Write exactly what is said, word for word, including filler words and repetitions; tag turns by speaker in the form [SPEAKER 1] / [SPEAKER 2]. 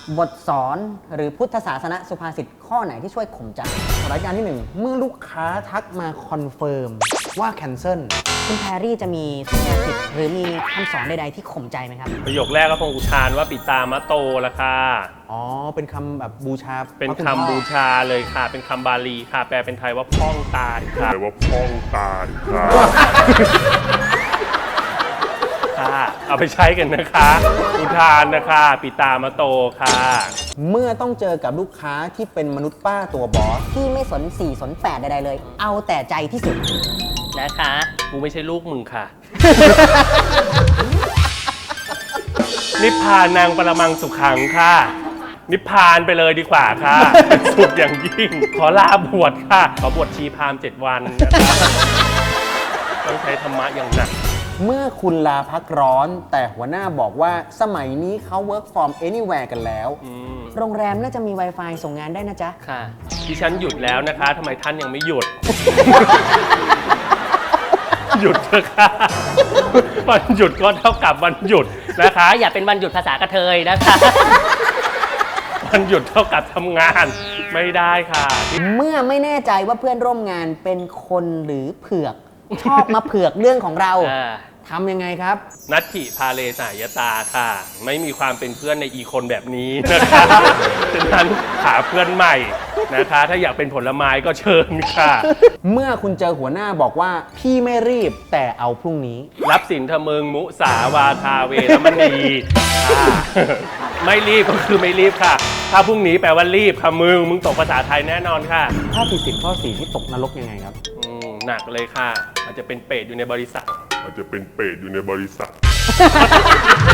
[SPEAKER 1] บทสอนหรือพุทธศาสนสุภาษิตข้อไหนที่ช่วยข่มใจรายการที่หนึ่งเมื่อลูกค้าทักมาคอนเฟิร์มว่าแคนเซิลคุณแพรรี่จะมีสุภาษิตหรือมีคำสอนใดๆที่ข่มใจไหมครับ
[SPEAKER 2] ประโยคแรกก็คงอุทานว่าปิตามะโตละค่ะ
[SPEAKER 1] อ๋อเป็นคำแบบบูชา
[SPEAKER 2] เป็นคำบูชาเลยค่ะเป็นคำบาลีค่ะแปลเป็นไทยว่าพ่องตาค่ะแปลว่าพ่องตาค่ะค่ะเอาไปใช้กันนะคะอุทานนะคะปิตามะโตค่ะ
[SPEAKER 1] เมื่อต้องเจอกับลูกค้าที่เป็นมนุษย์ป้าตัวบอสที่ไม่สนสี่สนแปดใดๆเลยเอาแต่ใจที่สุด
[SPEAKER 2] นะคะกูไม่ใช่ลูกมึงค่ะ นิพพานนางปรมังสุขังค่ะนิพพานไปเลยดีกว่าค่ะเป็นสุขอย่างยิ่งขอลาบวชค่ะขอบวชชีพราหมณ์เจ็ดวันนะคะต้องใช้ธรรมะอย่างหนัก
[SPEAKER 1] เมื่อคุณลาพักร้อนแต่หัวหน้าบอกว่าสมัยนี้เขา work from anywhere กันแล้วโรงแรมน่าจะมี Wi-Fi ส่งงานได้นะจ๊ะ
[SPEAKER 2] ค่ะดิฉันหยุดแล้วนะคะทำไมท่านยังไม่หยุด หยุดเถอะค่ะวันหยุดก็เท่ากับวันหยุดนะคะ
[SPEAKER 3] อย่าเป็นวันหยุดภาษากระเทยนะคะ
[SPEAKER 2] วันหยุดเท่ากับทำงานไม่ได้ค่ะ
[SPEAKER 1] เมื่อไม่แน่ใจว่าเพื่อนร่วมงานเป็นคนหรือเผือกชอบมาเผือกเรื่องของเราทำยังไงครับ
[SPEAKER 2] นัตถิพาเลสายตาค่ะไม่มีความเป็นเพื่อนในอีคนแบบนี้นะคะฉะนั้นหาเพื่อนใหม่นะคะถ้าอยากเป็นผลไม้ก็เชิญค่ะ
[SPEAKER 1] เมื่อคุณเจอหัวหน้าบอกว่าพี่ไม่รีบแต่เอาพรุ่งนี้
[SPEAKER 2] รับสินธมึงมุสาวาทาเวรมณีไม่รีบก็คือไม่รีบค่ะถ้าพรุ่งนี้แปลว่ารีบค่ะมึงมึงตกภาษาไทยแน่นอนค่ะ
[SPEAKER 1] ถ้าผิดสินข้อสี่ที่ตกนรกยังไงครับ
[SPEAKER 2] หนักเลยค่ะอาจจะเป็นเปรตอยู่ในบริษัท
[SPEAKER 4] อาจจะเป็นเปรตอยู่ในบริษัท